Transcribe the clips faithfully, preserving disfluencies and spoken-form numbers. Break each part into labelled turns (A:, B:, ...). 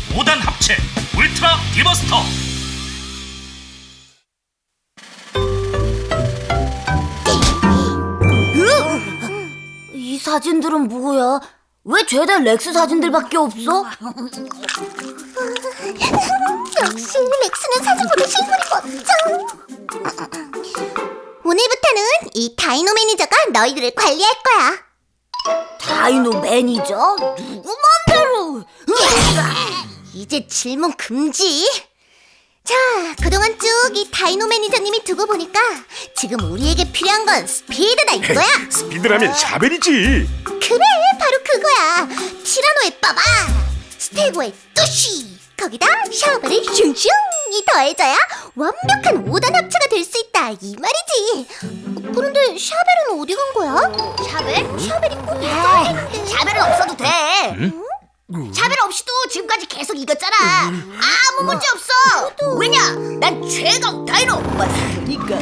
A: 오 단 합체 울트라 디버스터.
B: 이 사진들은 뭐야? 왜 죄다 렉스 사진들밖에 없어?
C: 역시 렉스는 사진보다 실물이 멋져. 오늘부터는 이 다이노 매니저가 너희들을 관리할 거야.
B: 다이노 매니저? 누구 맘대로?
C: 이제 질문 금지. 자, 그동안 쭉 이 다이노 매니저님이 두고 보니까 지금 우리에게 필요한 건 스피드다 이거야.
D: 스피드라면 샤벨이지.
C: 그래, 바로 그거야. 티라노의 빠바, 스테고의 뚜시, 거기다 샤벨의 슝슝이 더해져야 완벽한 오 단 합체가 될 수 있다 이 말이지. 그런데 샤벨은 어디 간 거야? 샤벨? 샤벨이 꼭 있어야 되는데.
B: 샤벨은 없어도 돼.
C: 응?
B: 샤벨 없이도 지금까지 계속 이겼잖아. 아무 문제 없어. 왜냐? 난 최강 다이노 맞으니까.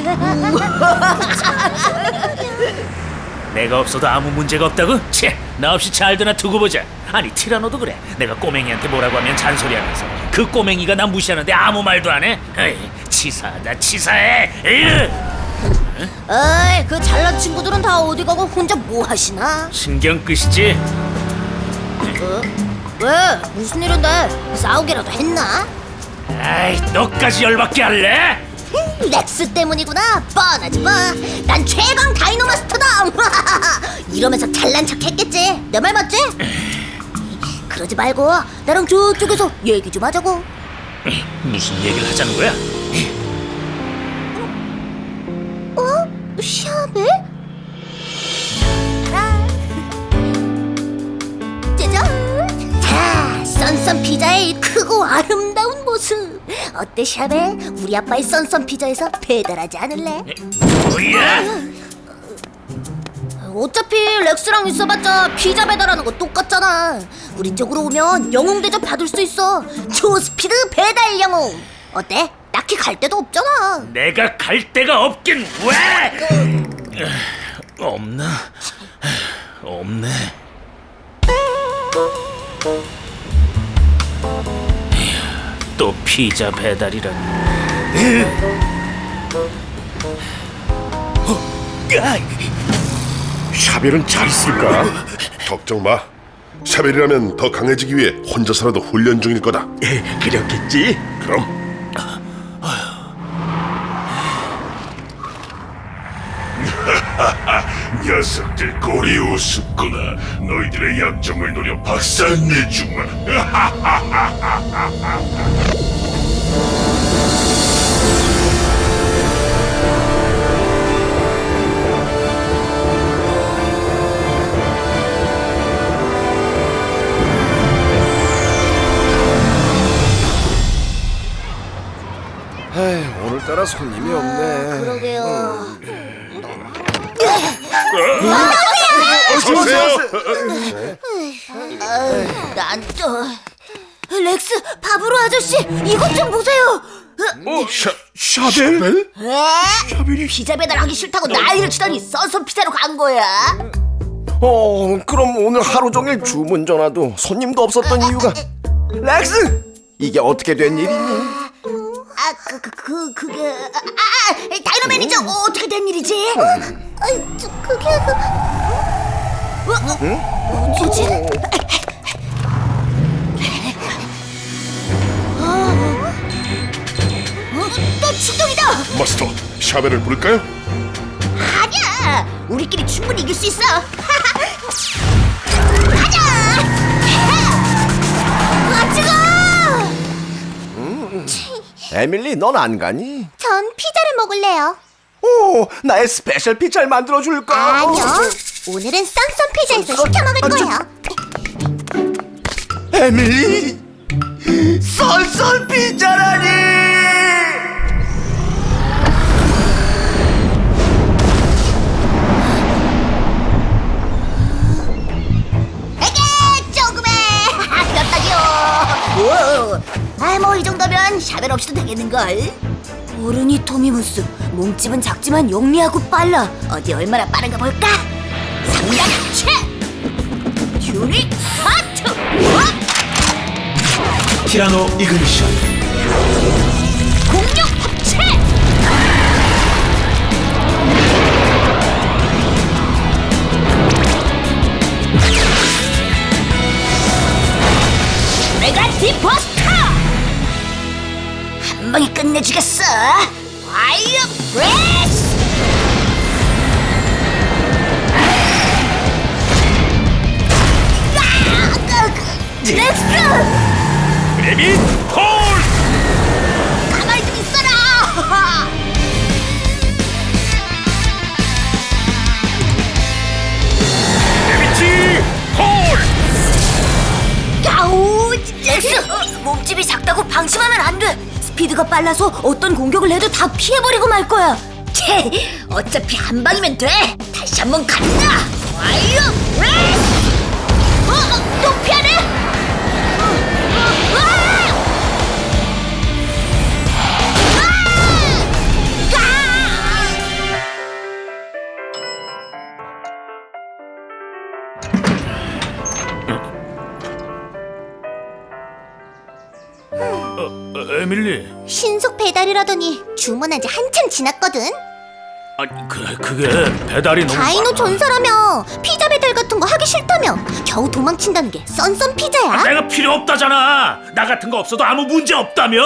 A: 내가 없어도 아무 문제가 없다고? 채, 나 없이 잘 되나 두고 보자. 아니 티라노도 그래. 내가 꼬맹이한테 뭐라고 하면 잔소리하면서 그 꼬맹이가 나 무시하는데 아무 말도 안 해. 에이, 치사하다 치사해. 에이.
B: 에이, 그 잘난 친구들은 다 어디 가고 혼자 뭐 하시나?
A: 신경 끄시지.
B: 어? 왜? 무슨 일인데? 싸우기라도 했나?
A: 아이, 너까지 열받게 할래?
B: 렉스 때문이구나. 뻔하지 뭐. 난 최강 다이노 마스터다. 이러면서 잘난 척 했겠지. 내 말 맞지? 그러지 말고 나랑 저쪽에서 얘기 좀 하자고.
A: 무슨 얘기를 하자는 거야?
C: 어? 샤벨? 짜잔!
B: 자, 썬썬 피자의 크고 아름다운 모습. 어때 샤벨? 우리 아빠의 썬썬 피자에서 배달하지 않을래?
A: 뭐야?
B: 어차피 렉스랑 있어봤자 피자 배달하는 거 똑같잖아. 우리 쪽으로 오면 영웅 대접 받을 수 있어. 초스피드 배달 영웅. 어때? 딱히 갈 데도 없잖아.
A: 내가 갈 데가 없긴 왜? 없나? 없네. 또 피자 배달이라니.
D: 샤벨은 잘 있을까?
E: 걱정 마. 샤벨이라면 더 강해지기 위해 혼자서라도 훈련 중일 거다.
D: 그렇겠지.
E: 그럼 녀석들 꼬리 우습구나. 너희들의 약점을 노려 박살내주마.
F: 에이, 오늘따라 손님이 없네.
B: 그러게요.
E: 어서 오세요.
B: 난 또... 렉스, 바브로 아저씨, 이것 좀 보세요.
D: 어, 샤 샤벨?
B: 에? 피자 배달하기 싫다고 난리를 치더니 썬썬 피자로 간 거야.
F: 어, 그럼 오늘 하루 종일 주문 전화도 손님도 없었던 이유가 렉스! 이게 어떻게 된 일이니?
B: 아, 그, 그, 그, 그게... 아, 아, 다이노 매니저, 어, 어떻게 된 일이지?
C: 아, 저 그게 그...
B: 어, 어, 뭐지? 어, 어, 또 출동이다!
E: 마스터, 샤벨을 부를까요?
B: 아니야! 우리끼리 충분히 이길 수 있어! 가자! 같이 가!
F: 에밀리, 넌 안 가니?
C: 전 피자를 먹을래요.
F: 오, 나의 스페셜 피자를 만들어줄까?
C: 아니요. 오늘은 썬썬 피자에서 시켜 먹을
F: 아, 저-
C: 거예요.
F: 에밀리! 썰썰 피자라니!
B: 에게! 조금해! 그렇다기요! 아, 뭐 이 정도면 샤벨 없이도 되겠는걸? 어른이 토미무스, 몸집은 작지만 영리하고 빨라. 어디 얼마나 빠른가 볼까? 상략체! 튜닉 하트!
G: 티라노 이그니션.
B: 공룡 합체! 메가 디버스터! 한 방에 끝내주겠어! 파이어 브레스! 렉스!
A: 레빗 콜!
B: 가만히 좀 있어라!
A: 레빗 콜!
B: 야우! 렉스! 몸집이 작다고 방심하면 안 돼! 스피드가 빨라서 어떤 공격을 해도 다 피해버리고 말 거야! 채! 어차피 한 방이면 돼! 다시 한번 간다! 와이어 브레스! 어? 어? 또 피하네? 어, 어, 으아!
A: 어, 에밀리.
C: 신속 배달이라더니 주문한 지 한참 지났거든.
A: 아니 그 그게 배달이 너무
C: 다이노
A: 많아.
C: 전사라며 피자 배달 같은 거 하기 싫다며 겨우 도망친다는 게 썬썬 피자야?
A: 내가 필요 없다잖아. 나 같은 거 없어도 아무 문제 없다며.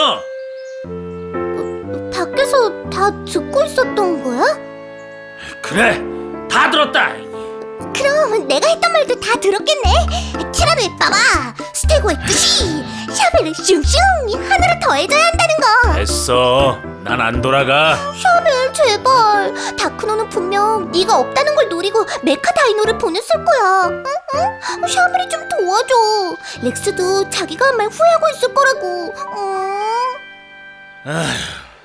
C: 밖에서 다 듣고 있었던 거야?
A: 그래, 다 들었다.
C: 그럼 내가 했던 말도 다 들었겠네. 티라노의 빠바, 스테고의 뜻이, 샤벨의 슝슝 하나로 더해져야 한다는 거.
A: 됐어. 난 안 돌아가.
C: 샤벨 제발. 다크노는 분명 네가 없다는 걸 노리고 메카 다이노를 보냈을 거야. 응? 응? 샤벨이 좀 도와줘. 렉스도 자기가 한 말 후회하고 있을 거라고. 응?
A: 아휴.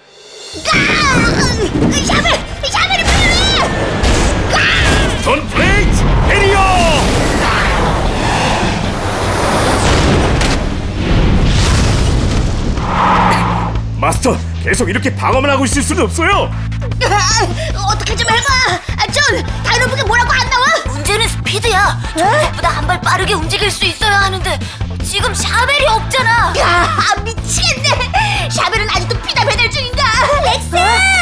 C: 아! 샤벨! 샤벨이 필요해!
A: 돈 플레이트 에리오!
D: 마스터, 계속 이렇게 방어만 하고 있을 수는 없어요.
B: 아, 어떻게 좀 해봐! 아, 전 다이노북에 뭐라고 안 나와? 문제는 스피드야. 저보다 한 발 빠르게 움직일 수 있어야 하는데 지금 샤벨이 없잖아. 야, 미치겠네. 샤벨은 아직도 피자 배달 중인가?
C: 렉스!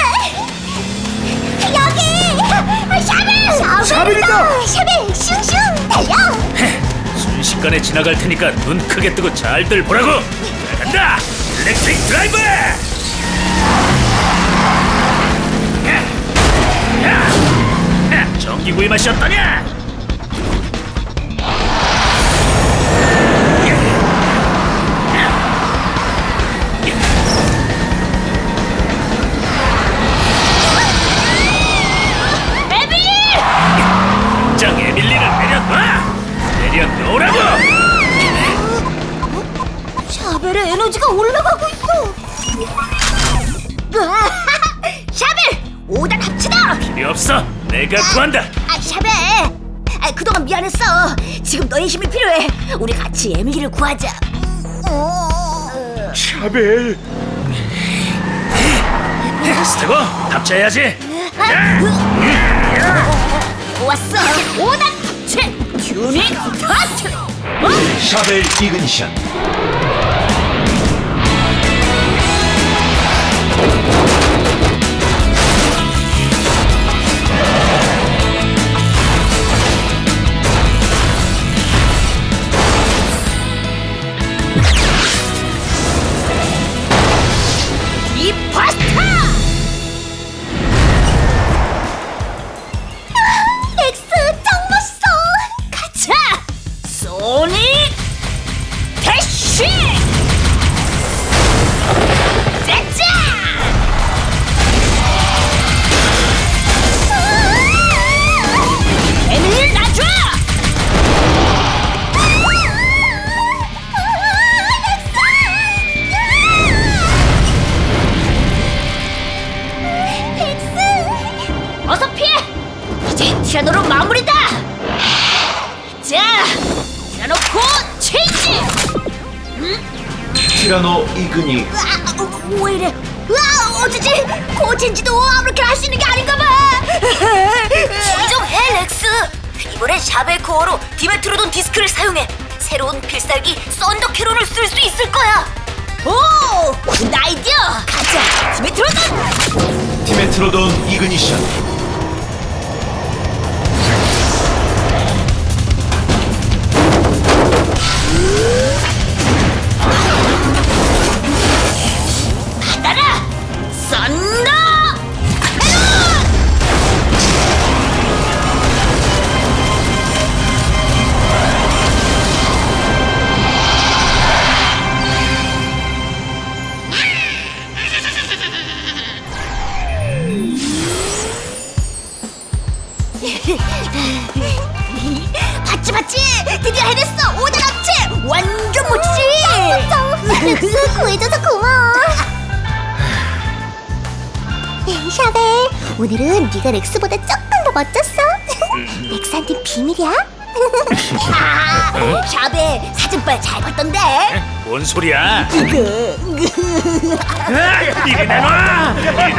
C: 여기! 샤벨!
D: 샤벨이다!
C: 샤벨 슝슝 달려!
A: 순식간에 지나갈 테니까 눈 크게 뜨고 잘들 보라고. 자, 간다. 일렉트릭 드라이브. 야, 야, 야, 전기구이 맛이 어떠냐? 장 에밀리를 내려놔! 내려놓으라고!
B: 샤벨의 에너지가 올라가고 있어. 으아, 샤벨! 오 단 합치다!
A: 필요 없어! 내가 구한다!
B: 아, 샤벨! 아, 그동안 미안했어. 지금 너의 힘이 필요해. 우리 같이 에밀리를 구하자.
D: 샤벨.
A: 스테고, 합체해야지!
B: 좋았어. 오 단 합체! 튜닝 스타트!
G: 샤벨 이그니션.
B: 이 파스타!
C: 렉스 짱 멋있어!
B: 가자! 소닉 대쉬! 짜자! 에밀리 놔줘! 어서 피해! 이제 티라노로 마무리다! 자! 티라노 코 체인지!
G: 티라노 이그니.
B: 아, 어, 왜 이래? 으아, 어쩌지? 코체인지도 아무렇게나 할 수 있는 게 아닌가 봐! 진정해, 렉스! 이번엔 샤벨 코어로 디메트로돈 디스크를 사용해! 새로운 필살기 썬더 캐롤을 쓸 수 있을 거야. 오, 굿 아이디어. 가자, 디메트로돈.
G: 디메트로돈 이그니션.
B: 받아라, 썬더 봤지 봤지? 드디어 해냈어! 오단 합체! 완전 멋지지?
C: 렉스 구해줘서 고마워. 샤벨, 오늘은 네가 렉스보다 조금 더 멋졌어. 렉스한테 비밀이야?
B: 아, 샤베 사진빨 잘 봤던데?
A: 뭔 소리야? 이리 내놔! 이리